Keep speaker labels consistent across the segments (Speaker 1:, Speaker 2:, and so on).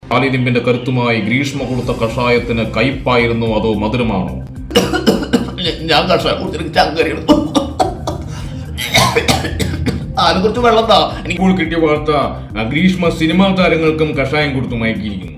Speaker 1: കാലിരിമ്പിന്റെ കരുത്തുമായി ഗ്രീഷ്മ കൊടുത്ത കഷായത്തിന് കയ്പായിരുന്നു അതോ മധുരമാണോ?
Speaker 2: ഞാൻ കഷായം കുടിച്ചിട്ട് ചങ്കരിയാണ്. അതിനെ കുറിച്ച് വെള്ളം താ.
Speaker 1: ഇപ്പോൾ കിട്ടിയ വാർത്ത ഗ്രീഷ്മ സിനിമാ താരങ്ങൾക്കും കഷായം കൊടുത്തു മയക്കിയിരിക്കുന്നു.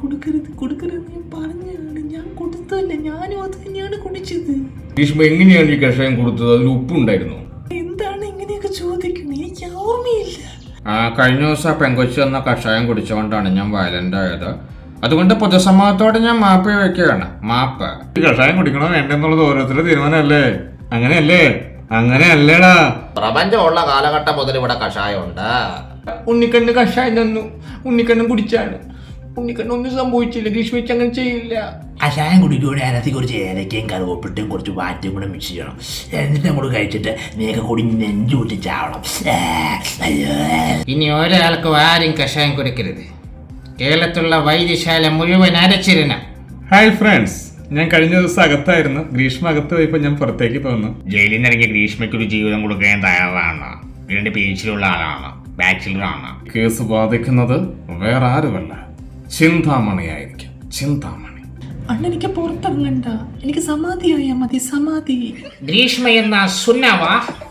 Speaker 1: ഗ്രീഷ്മ എങ്ങനെയാണ് ഈ കഷായം കൊടുത്തത്? അതിൽ ഉപ്പുണ്ടായിരുന്നു?
Speaker 3: എന്താണ് ഇങ്ങനെയൊക്കെ ചോദിക്കുന്നത്? എനിക്ക് ഓർമ്മയില്ല.
Speaker 4: കഴിഞ്ഞ ദിവസം പെങ്കൊച്ചു എന്ന കഷായം കുടിച്ചുകൊണ്ടാണ് ഞാൻ വയലന്റ് ആയത്. അതുകൊണ്ട് പൊതുസമൂഹത്തോടെ ഞാൻ മാപ്പ് വയ്ക്കുകയാണ്. മാപ്പ്.
Speaker 1: കഷായം കുടിക്കണോ വേണ്ടെന്നുള്ളത് ഓരോരുത്തരുടെ തീരുമാനമല്ലേ? അങ്ങനെയല്ലേ? അങ്ങനെയല്ലേടാ.
Speaker 2: പ്രപഞ്ചമുള്ള കാലഘട്ടം മുതൽ ഇവിടെ കഷായമുണ്ട്.
Speaker 1: ഉണ്ണിക്കണ്ണ് കഷായം തന്നു. ഉണ്ണിക്കണ്ണും കുടിച്ചാണ്. ഉണ്ണിക്കണ്ണൊന്നും സംഭവിച്ചില്ല. ഗ്രീഷ്മിച്ച് അങ്ങനെ ചെയ്യില്ല.
Speaker 5: കഷായം കുടിക്കുകയാണെങ്കിൽ അതിനകത്ത് കുറച്ച് ഏലക്കയും കറുവപ്പിട്ടും കുറച്ച് വാറ്റും കൂടെ മിക്സ് ചെയ്യണം. എന്നിട്ട് അങ്ങോട്ട് കഴിച്ചിട്ട് നീക്കെ കൂടി നെഞ്ചു കൂട്ടി ചാവണം.
Speaker 4: ഇനി ഒരാൾക്കും ആരും കഷായം കുടിക്കരുത്. കേരളത്തിലുള്ള വൈദ്യശാല മുഴുവൻ അരച്ചിരണം.
Speaker 1: ഹായ് ഫ്രണ്ട്സ്, ഞാൻ കഴിഞ്ഞ ദിവസം അകത്തായിരുന്നു. ഗ്രീഷ്മ അകത്ത് പോയപ്പോൾ ഞാൻ പുറത്തേക്ക് പോന്നു.
Speaker 4: ജയിലിൽ നിന്ന് ഇറങ്ങിയ ഗ്രീഷ്മയ്ക്ക് ഒരു ജീവിതം കൊടുക്കാൻ തയ്യാറാണ്. ഇതിന്റെ പേച്ചിലുള്ള ആളാണ്, ബാച്ചിലറാണ്.
Speaker 1: കേസ് ബാധിക്കുന്നത് വേറെ ആരുമല്ല, ചിന്താമണിയായിരിക്കും. ചിന്താമണി.
Speaker 3: അണ്ണ എനിക്ക് പുറത്തിറങ്ങണ്ട. എനിക്ക് സമാധിയായാ മതി. സമാധി.
Speaker 4: ഗ്രീഷ്മ എന്ന സുന്നവ